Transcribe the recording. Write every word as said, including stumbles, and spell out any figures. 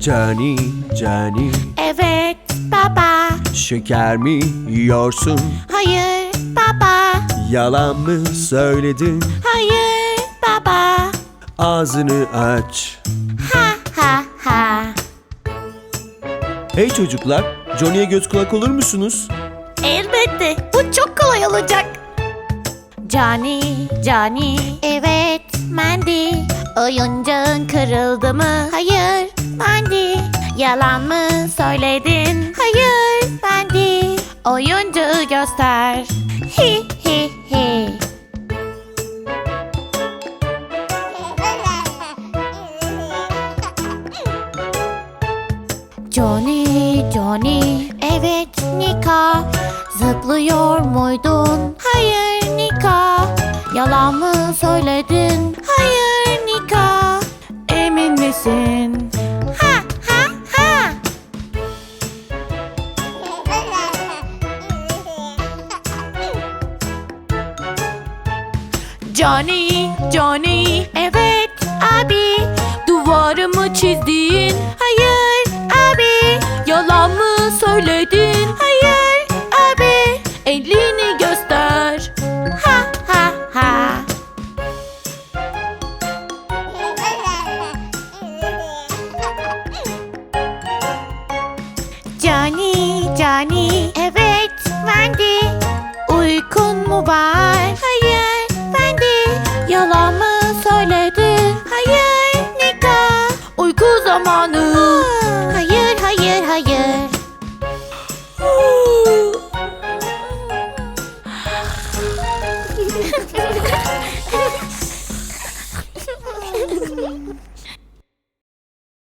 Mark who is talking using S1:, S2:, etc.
S1: Cani, Cani,
S2: Evet baba.
S1: şeker mi yiyorsun?
S2: Hayır baba.
S1: Yalan mı söyledin?
S2: Hayır baba.
S1: Ağzını aç.
S2: Ha ha ha.
S1: Hey çocuklar, Johnny'ye göz kulak olur musunuz?
S2: Elbette. Bu çok kolay olacak. Cani, Cani. Evet, Mandy. Oyuncağın kırıldı mı? Hayır, Mandy. Yalan mı söyledin? Hayır, Mandy. Oyuncağı göster. Hi hi hi. Johnny, Johnny. Evet, Nika. Zıplıyor muydun? Hayır, Nika. Yalan mı söyledin? Hayır, Nika. Emin misin? Ha ha ha. Johnny, Johnny. Evet, abi. Duvarımı çizdin. Hayır, abi. Yalan mı söyledin? Hayır, abi. Elini göster. Ha ha ha. Johnny, Johnny. Evet, Wendy. Uykun mu var? Hayır, Wendy. Yalan mı söyledin? Hayır, Nika. Uyku zamanı. Hayır, hayır, hayır.